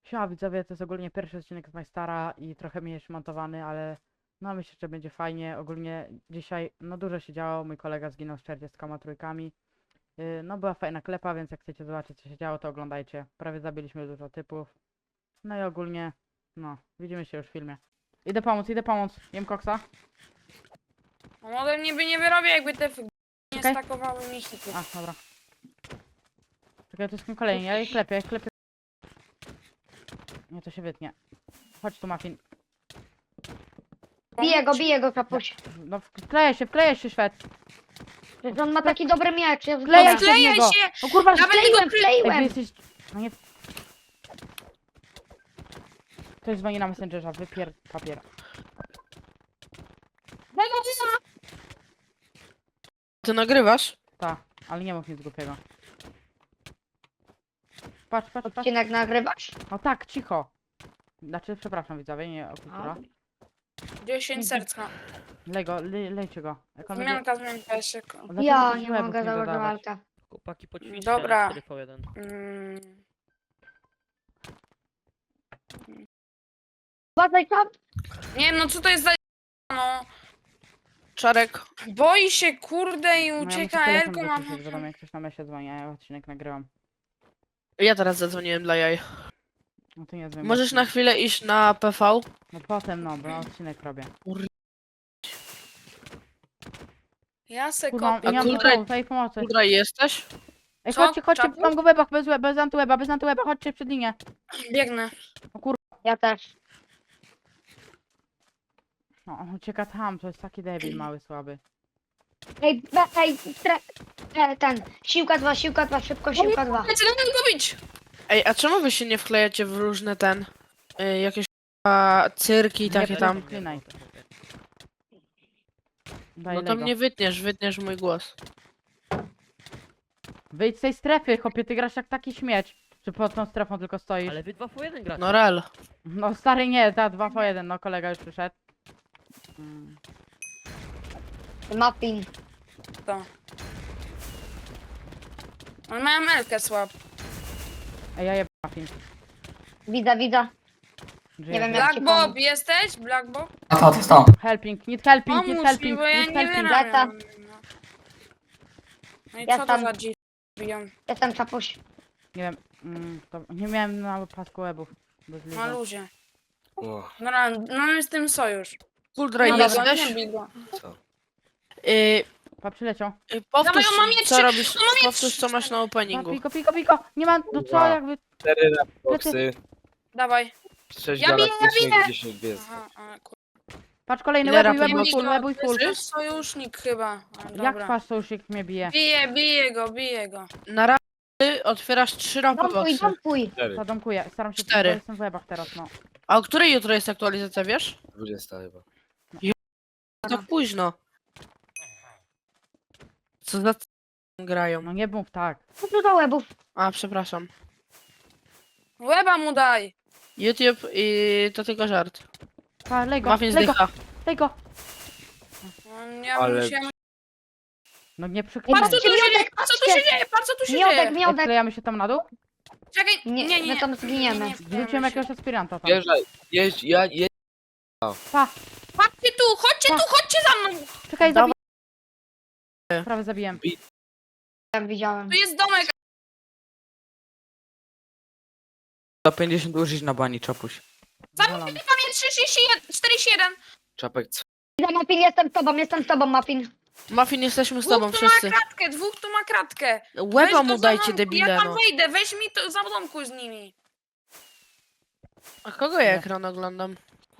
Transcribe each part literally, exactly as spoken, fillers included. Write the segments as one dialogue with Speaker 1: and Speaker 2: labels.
Speaker 1: Siema widzowie, to jest ogólnie pierwszy odcinek z Majstara i trochę mniejszy montowany, ale no myślę, że będzie fajnie. Ogólnie dzisiaj no dużo się działo, mój kolega zginął z czterdziestoma trójkami. Yy, no była fajna klepa, więc jak chcecie zobaczyć co się działo, to oglądajcie. Prawie zabiliśmy dużo typów. No i ogólnie, no, widzimy się już w filmie. Idę pomóc, idę pomóc. Jem koksa.
Speaker 2: On ode mnie by nie wyrobił, jakby te f- nie
Speaker 1: Czekaj.
Speaker 2: stakowały mi hitów.
Speaker 1: A, dobra. Czekaj, to jest kim kolejny, ja jej klepię, ja jej klepię. Nie, to się wytnie. Chodź tu, Muffin.
Speaker 3: Bije go, bije go, kapuś.
Speaker 1: No, wkleję się, wkleję się, Szwed.
Speaker 3: Przecież on ma taki dobry miecz. Ja
Speaker 1: Wklejaj się w
Speaker 2: Wklejaj
Speaker 1: niego.
Speaker 2: się!
Speaker 1: O kurwa,
Speaker 2: Nawet
Speaker 3: Wkleiłem,
Speaker 2: tego
Speaker 1: ej, wy
Speaker 3: wkleiłem.
Speaker 1: jesteś... No nie... Ktoś dzwoni na Messengerza, wypier... papier.
Speaker 4: Ty nagrywasz?
Speaker 1: Ta, ale nie mów nic głupiego. Patrz, patrz, patrz.
Speaker 3: Odcinek nagrywasz?
Speaker 1: No tak, cicho. Znaczy, przepraszam widzowie, nie o kultura.
Speaker 2: dziesięć serca.
Speaker 1: Lej go, le, lejcie go. Jak on będzie...
Speaker 2: Zmianka, zmianka, jeszcze. ko-
Speaker 1: Dlaczego
Speaker 3: Ja
Speaker 1: tych
Speaker 3: nie
Speaker 1: łebów
Speaker 3: mogę założyć
Speaker 1: dodawać?
Speaker 3: walkę.
Speaker 5: Chłopaki poćwiczcie
Speaker 2: Dobra.
Speaker 5: cztery po jeden.
Speaker 2: Mm.
Speaker 3: Uważaj tam.
Speaker 2: Nie no, co to jest za... No.
Speaker 4: Czarek.
Speaker 2: Boi się, kurde, i
Speaker 1: No ja muszę
Speaker 2: ucieka
Speaker 1: telefon
Speaker 2: Elko, ma...
Speaker 1: wyciszyć, wiadomo jak ktoś na mesie dzwoni, a ja odcinek nagrywam.
Speaker 4: Ja teraz zadzwoniłem dla jaj.
Speaker 1: No ty nie dzwoń.
Speaker 4: Możesz na chwilę iść na P V?
Speaker 1: No potem no, bo odcinek robię.
Speaker 2: Ja se
Speaker 1: Kurwa,
Speaker 2: kopię.
Speaker 1: nie mam
Speaker 4: kultra-
Speaker 1: pomysłu, tej pomocy.
Speaker 4: Kudra jesteś?
Speaker 1: Ej,
Speaker 2: Co?
Speaker 1: chodźcie, chodźcie,
Speaker 2: Czapu?
Speaker 1: mam go w łebach, bez, łeb, bez antyłeba, bez antyłeba, chodźcie przed linię.
Speaker 2: Biegnę.
Speaker 3: Ja też.
Speaker 1: No, on ucieka tam, to jest taki debil mały, słaby.
Speaker 3: Ej, be, ej, tre, e, ten. Siłka dwa, siłka dwa, szybko, siłka dwa.
Speaker 2: Lecę, lecę go bić!
Speaker 4: Ej, a czemu wy się nie wklejacie w różne ten... Y, jakieś a, cyrki i
Speaker 1: Nie,
Speaker 4: takie
Speaker 1: to
Speaker 4: tam?
Speaker 1: nie. Wklinaj. Daj
Speaker 4: No to
Speaker 1: Lego.
Speaker 4: mnie wytniesz, wytniesz mój głos.
Speaker 1: Wyjdź z tej strefy, chłopie, ty grasz jak taki śmieć. Czy pod tą strefą tylko stoisz?
Speaker 5: Ale wy dwa po jeden gracie.
Speaker 4: No rel.
Speaker 1: No stary nie, ta dwa po jeden, no kolega już przyszedł. Mm.
Speaker 3: Muffin.
Speaker 2: To. On ma Elkę słab.
Speaker 1: Ej, ja jeb muffin.
Speaker 3: Widzę, widzę.
Speaker 1: Żyję,
Speaker 3: Nie wiem,
Speaker 1: żyję.
Speaker 3: jak-
Speaker 2: Black Bob, jesteś? Black Bob?
Speaker 6: A to, to jest to.
Speaker 1: Helping, need helping, need
Speaker 2: Pomóż mi,
Speaker 1: helping,
Speaker 2: bo ja
Speaker 1: need
Speaker 2: nie
Speaker 1: helping.
Speaker 2: wyrabiam. No. No i
Speaker 3: Ja
Speaker 2: co to
Speaker 3: tam-
Speaker 2: za dziw biją?
Speaker 3: Jestem kapuś.
Speaker 1: Nie wiem, mm, to nie miałem na pasku webów. Bez liga.
Speaker 2: Na luzie.
Speaker 6: O,
Speaker 2: No, no mamy z tym sojusz.
Speaker 4: Kudra
Speaker 2: Nie bij go,
Speaker 4: jesteś?
Speaker 2: nie bij go.
Speaker 6: co?
Speaker 4: Y,
Speaker 1: Pa, przyleciał.
Speaker 4: y, powtórz,
Speaker 2: Dawaj, on ma miecz,
Speaker 4: co
Speaker 2: on
Speaker 4: robisz,
Speaker 2: ma miecz.
Speaker 4: powtórz co masz na
Speaker 1: Pa,
Speaker 4: openingu.
Speaker 1: piko, piko, piko. Nie ma, no co,
Speaker 6: Kurwa.
Speaker 1: jakby...
Speaker 6: Cztery rapboxy,
Speaker 2: Dawaj.
Speaker 6: sześć
Speaker 2: Ja biję,
Speaker 6: galaktycznych, dziesięć gwiazd.
Speaker 2: Aha, a, kur...
Speaker 1: Patrz, kolejny
Speaker 4: Ile
Speaker 1: webuj,
Speaker 4: rapi
Speaker 1: webuj
Speaker 4: ma-
Speaker 1: full, webuj
Speaker 2: To
Speaker 1: full.
Speaker 2: jest sojusznik chyba. A,
Speaker 1: Jak
Speaker 2: dobra.
Speaker 1: twarz sojusznik mnie bije?
Speaker 2: Bije, bije go, bije go.
Speaker 4: Na razy otwierasz trzy rapy
Speaker 3: Dompuj,
Speaker 4: boxy.
Speaker 3: dompuj.
Speaker 6: Cztery,
Speaker 1: Zadomkuję, staram się,
Speaker 4: Cztery.
Speaker 1: bo jestem w webach teraz, no.
Speaker 4: A o której jutro jest aktualizacja, wiesz?
Speaker 6: dwudziesta chyba.
Speaker 4: Tak późno. Co za c... grają?
Speaker 1: No nie mów tak.
Speaker 3: Co tu do łebów?
Speaker 4: A, przepraszam.
Speaker 2: Łeba mu daj.
Speaker 4: YouTube i to tylko żart.
Speaker 1: Pa, lej go,
Speaker 4: Muffin
Speaker 1: lej go,
Speaker 4: zdycha.
Speaker 1: lej go.
Speaker 2: No, ja
Speaker 6: Ale-
Speaker 2: musiałem...
Speaker 1: No nie
Speaker 2: Patrz
Speaker 1: przyklinaj.
Speaker 2: co tu się dzieje, patrz co tu się dzieje, patrz co tu się
Speaker 3: Miodek,
Speaker 2: dzieje.
Speaker 1: Ej,
Speaker 3: miodek.
Speaker 1: Wklejamy się tam na dół?
Speaker 2: Czekaj,
Speaker 3: Nie,
Speaker 2: nie, nie,
Speaker 3: my tam zginiemy.
Speaker 2: nie, nie
Speaker 1: Wrzuciłem
Speaker 2: wklejamy się.
Speaker 1: jakiegoś aspiranta tam.
Speaker 6: Jeżdżaj, jeźdź, ja, je...
Speaker 1: Pa,
Speaker 2: Chodźcie tu, chodźcie tu, chodźcie za mną.
Speaker 1: czekaj,
Speaker 4: Dawaj.
Speaker 1: zabiję. Prawie zabiłem.
Speaker 3: Jak widziałem.
Speaker 2: Tu jest domek.
Speaker 7: sto pięćdziesiąt użyć na bani, czapuś.
Speaker 1: Zawalam.
Speaker 2: Pamięć trzydzieści jeden, czterdzieści jeden.
Speaker 6: Czapek, co?
Speaker 3: Widzę, Muffin, jestem z tobą, jestem z tobą, Muffin.
Speaker 4: Muffin, jesteśmy z tobą
Speaker 2: Dwóch tu ma
Speaker 4: wszyscy.
Speaker 2: kratkę, dwóch tu ma kratkę. Weź
Speaker 4: Łeba
Speaker 2: go
Speaker 4: mu
Speaker 2: za
Speaker 4: dajcie,
Speaker 2: domku,
Speaker 4: debile,
Speaker 2: Ja tam
Speaker 4: no.
Speaker 2: wejdę, weź mi to za domku z nimi.
Speaker 4: A kogo ja
Speaker 1: Nie.
Speaker 4: ekran oglądam?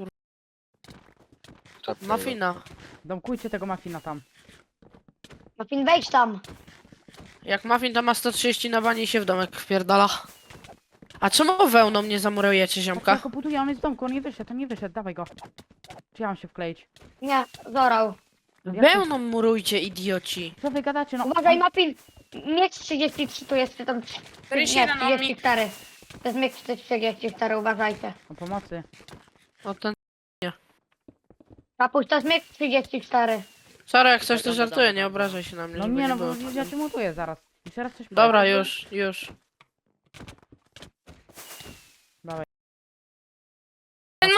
Speaker 6: Czapek.
Speaker 4: Muffina.
Speaker 1: Domkujcie tego mafina tam.
Speaker 3: Muffin, wejdź tam.
Speaker 4: Jak Muffin to ma sto trzydzieści na bani i się w domek wpierdala. A czemu wełną nie zamurujecie,
Speaker 1: Ja
Speaker 4: ziomka?
Speaker 1: go buduję, on jest w domku, on nie wyszedł, on nie wyszedł, dawaj go. Czy ja mam się wkleić?
Speaker 3: Nie, zorał.
Speaker 4: Wełną murujcie, idioci.
Speaker 1: Co wy gadacie, no?
Speaker 3: Uważaj, Muffin. Miecz trzydzieści trzy tu jest, czy tam...
Speaker 2: czterdzieści
Speaker 3: Nie,
Speaker 2: jeden on mi.
Speaker 3: trzydzieści cztery. To jest miecz trzydzieści cztery, uważajcie.
Speaker 1: O pomocy.
Speaker 4: O ten...
Speaker 3: Kapuś, to jest miecz trzydzieści cztery.
Speaker 4: Sorry, jak coś to żartuję, nie obrażaj się na mnie,
Speaker 1: No
Speaker 4: żeby
Speaker 1: nie no,
Speaker 4: było.
Speaker 1: bo ja cię mutuję zaraz. Jeszcze raz coś
Speaker 4: Dobra,
Speaker 1: powiedz.
Speaker 4: już, już.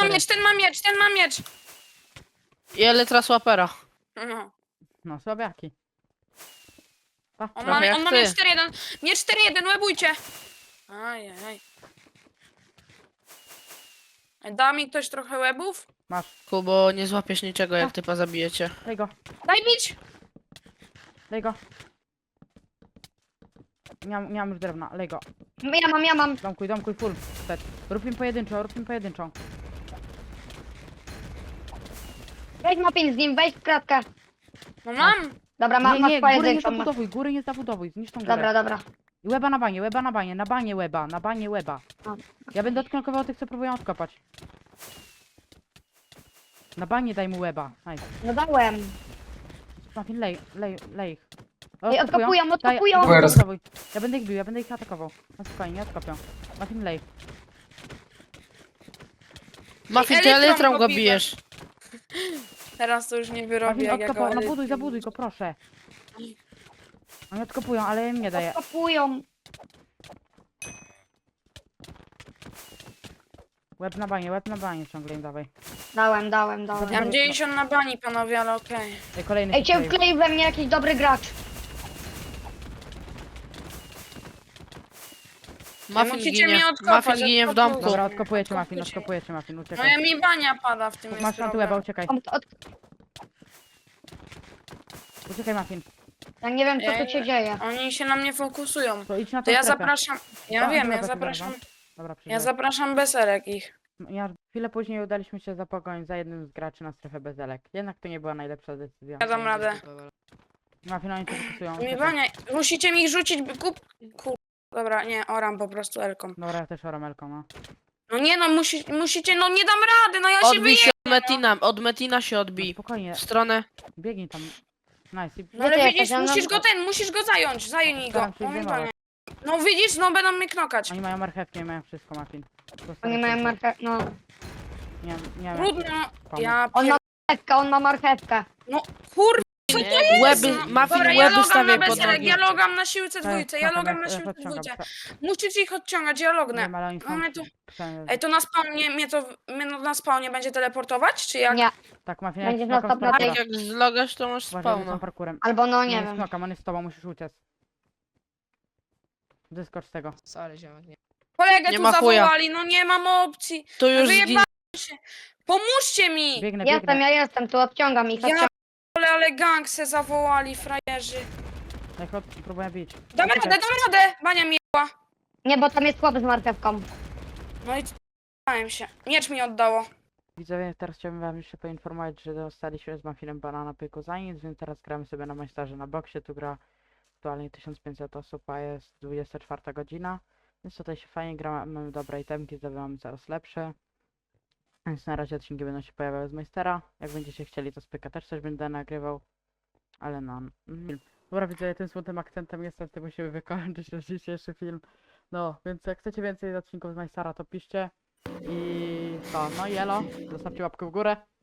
Speaker 1: cztery.
Speaker 2: miecz, ten ma miecz, ten ma miecz.
Speaker 4: I elytra swapera.
Speaker 2: No.
Speaker 1: No, słabiaki. Pa.
Speaker 2: On
Speaker 4: Trochę
Speaker 2: ma,
Speaker 4: jak
Speaker 2: on ma
Speaker 4: ty.
Speaker 2: miecz cztery jeden. Miecz cztery jeden, łebujcie. Ajajaj. Da mi ktoś trochę łebów?
Speaker 1: Masz,
Speaker 4: Kubo, nie złapiesz niczego, jak typa zabijecie.
Speaker 1: daj go,
Speaker 2: Daj bić.
Speaker 1: daj go. Nie mam, nie mam już drewna, lej go.
Speaker 3: Ja mam, ja mam.
Speaker 1: Domkuj, domkuj, full set. Rób im pojedynczą, rób im pojedynczą.
Speaker 3: Weź Muffin z nim, weź w kratkę.
Speaker 2: No mam.
Speaker 3: Dobra, ma,
Speaker 1: Nie,
Speaker 3: masz
Speaker 1: nie, góry nie
Speaker 3: pojedynczą. masz.
Speaker 1: zabudowuj, góry nie zabudowuj, zniszcz tą górę.
Speaker 3: Dobra, dobra.
Speaker 1: I łeba na banie, łeba na banie, na banie łeba, na banie łeba.
Speaker 3: O.
Speaker 1: Ja będę odknokkował tych, co próbują odkopać. Na banie daj mu łeba. Nice.
Speaker 3: No dałem.
Speaker 1: Muffin, lej, lej, lej ich. O,
Speaker 3: Ej, odkopują,
Speaker 1: Daj-
Speaker 3: odkopują.
Speaker 1: dawaj, odkopowuj. Ja będę ich bił, ja będę ich atakował. No spokojnie, nie odkopią. Muffin, lej.
Speaker 4: Muffin, ty
Speaker 2: elytrą
Speaker 4: elytrą
Speaker 2: go
Speaker 4: go
Speaker 2: biję.
Speaker 4: bijesz.
Speaker 2: Teraz to już nie wyrobię
Speaker 1: Muffin,
Speaker 2: jak
Speaker 1: odkopał,
Speaker 2: jako
Speaker 1: no buduj,
Speaker 2: elytry.
Speaker 1: zabuduj go, proszę. Oni odkopują, ale ja im nie daję.
Speaker 3: Odkopują.
Speaker 1: Łeb na banie, łeb na banie ciągle im dawaj.
Speaker 3: Dałem, dałem, dałem.
Speaker 2: Ja mam dziewięćdziesiąt na bani, panowie, ale okej.
Speaker 1: Ej, kolejny
Speaker 3: Ej,
Speaker 1: się
Speaker 3: cię
Speaker 1: wkleił.
Speaker 3: wkleił we mnie jakiś dobry gracz.
Speaker 4: Muffin
Speaker 2: musicie
Speaker 4: ginie.
Speaker 2: mnie odkopać,
Speaker 4: Muffin ginie w
Speaker 2: odkopuj.
Speaker 4: domku.
Speaker 1: Dobra, odkopujecie
Speaker 2: Odkopujcie.
Speaker 1: Muffin, odkopujecie Muffin,
Speaker 2: No
Speaker 1: uciekaj.
Speaker 2: ja mi bania pada w tym
Speaker 1: Masz
Speaker 2: jest
Speaker 1: na tu
Speaker 2: problem.
Speaker 1: łeba, uciekaj.
Speaker 3: Od, od,
Speaker 1: Uciekaj Muffin.
Speaker 3: ja nie wiem, co
Speaker 2: Ej,
Speaker 3: tu się dzieje.
Speaker 2: Oni się na mnie fokusują.
Speaker 1: To idź na
Speaker 2: To
Speaker 1: tą
Speaker 2: ja
Speaker 1: strefę.
Speaker 2: zapraszam, ja
Speaker 1: Tak,
Speaker 2: wiem,
Speaker 1: dobra,
Speaker 2: ja
Speaker 1: to
Speaker 2: zapraszam,
Speaker 1: dobra. Dobra,
Speaker 2: ja
Speaker 1: przyjdę.
Speaker 2: zapraszam beserek ich.
Speaker 1: Ja chwilę później udaliśmy się zapogonić za jednym z graczy na strefę bezelek. Jednak to nie była najlepsza decyzja.
Speaker 2: Ja dam radę.
Speaker 1: Muffin, oni się fokusują.
Speaker 2: Mi
Speaker 1: uciekaj.
Speaker 2: bania, musicie mi ich rzucić, by kup... Kur... Dobra, nie, oram po prostu elką.
Speaker 1: Dobra, ja też oramelką, no.
Speaker 2: No nie no, musi, musicie, no nie dam rady, no ja się
Speaker 4: Odbij
Speaker 2: wyję...
Speaker 4: się od Metina, od Metina się
Speaker 1: no
Speaker 4: odbij.
Speaker 1: spokojnie,
Speaker 4: W stronę.
Speaker 1: biegnij tam. Nice. I
Speaker 2: No ale
Speaker 3: Gdzie ty
Speaker 2: widzisz,
Speaker 3: jesteś? Ja
Speaker 2: musisz
Speaker 3: mam-
Speaker 2: go ten, musisz go zająć, zajmij go.
Speaker 1: Staram się
Speaker 2: On mi
Speaker 1: zdejmować.
Speaker 2: bania. No widzisz, no będą mnie knokać.
Speaker 1: Oni mają marchewki, mają wszystko, Muffin. Prosto
Speaker 3: Oni mają
Speaker 1: lecą.
Speaker 3: marchewkę, no.
Speaker 1: Nie, nie wiem.
Speaker 2: Trudno,
Speaker 1: pomóc.
Speaker 2: ja
Speaker 3: On
Speaker 2: pier...
Speaker 3: ma marchewkę, on ma marchewkę.
Speaker 2: No kur...
Speaker 4: Łeby,
Speaker 2: No,
Speaker 4: Muffin,
Speaker 2: dobra, ja
Speaker 4: łeby
Speaker 2: logam
Speaker 4: stawiaj
Speaker 2: na
Speaker 4: pod
Speaker 2: beserek,
Speaker 4: nogi.
Speaker 2: ja logam na siłce
Speaker 1: Tak,
Speaker 2: dwójce, ja
Speaker 1: spoko,
Speaker 2: logam
Speaker 1: ja-
Speaker 2: na
Speaker 1: ja
Speaker 2: siłce
Speaker 1: podciągam.
Speaker 2: dwójce.
Speaker 1: Prze-
Speaker 2: Musicie ich odciągać, ja lognę.
Speaker 1: Wiem, ale oni
Speaker 2: No
Speaker 1: są...
Speaker 2: mnie to...
Speaker 1: prze-
Speaker 2: Ej, to na spawnie, mnie to mnie na spawnie będzie teleportować, czy jak?
Speaker 3: Nie,
Speaker 1: Tak, Muffin,
Speaker 3: Będzie
Speaker 1: jak
Speaker 3: na
Speaker 1: smokam z
Speaker 3: sto procent.
Speaker 1: parkura.
Speaker 4: Tak jak zlogasz, to masz
Speaker 1: Uważaj, że są
Speaker 4: spawna.
Speaker 1: parkurem.
Speaker 3: albo no,
Speaker 1: Nie
Speaker 3: nie
Speaker 1: wiem.
Speaker 3: wiem.
Speaker 1: Smokam, on jest z tobą, musisz uciec. Wyskocz z tego.
Speaker 4: Sorry, ziomek, nie.
Speaker 2: Kolegę
Speaker 4: Nie
Speaker 2: tu
Speaker 4: ma chuja.
Speaker 2: zawołali, no nie mam opcji.
Speaker 4: To już
Speaker 2: Wyjeba-
Speaker 4: zginie.
Speaker 2: Pomóżcie mi!
Speaker 1: Biegnę,
Speaker 3: Jestem,
Speaker 1: biegnę.
Speaker 3: ja jestem, tu odciągam ich.
Speaker 2: Ja
Speaker 3: Odciągam.
Speaker 2: ale, ale gang se zawołali, frajerzy.
Speaker 1: Jak od... próbuję bić.
Speaker 2: Damy
Speaker 1: Uciekaj.
Speaker 2: radę, damy radę! Bania mi jeba.
Speaker 3: Nie, bo tam jest chłop z marchewką.
Speaker 2: No i c***ałem się. Miecz mi oddało.
Speaker 1: Widzowie, teraz chciałbym wam jeszcze poinformować, że dostaliśmy z Muffinem bana na pyku za nic, więc teraz gramy sobie na majstarze na boksie. Tu gra aktualnie tysiąc pięćset osób, a jest dwudziesta czwarta godzina. Więc tutaj się fajnie gra, mamy dobre itemki, zdobywamy coraz lepsze. Więc na razie odcinki będą się pojawiały z majstera. Jak będziecie chcieli, to z pyka też coś będę nagrywał. Ale no... Mm. Dobra, widzowie, tym smutnym akcentem niestety musimy wykończyć nasz dzisiejszy film. No, więc jak chcecie więcej odcinków z majstera, to piszcie. I co, no i elo, zostawcie łapkę w górę.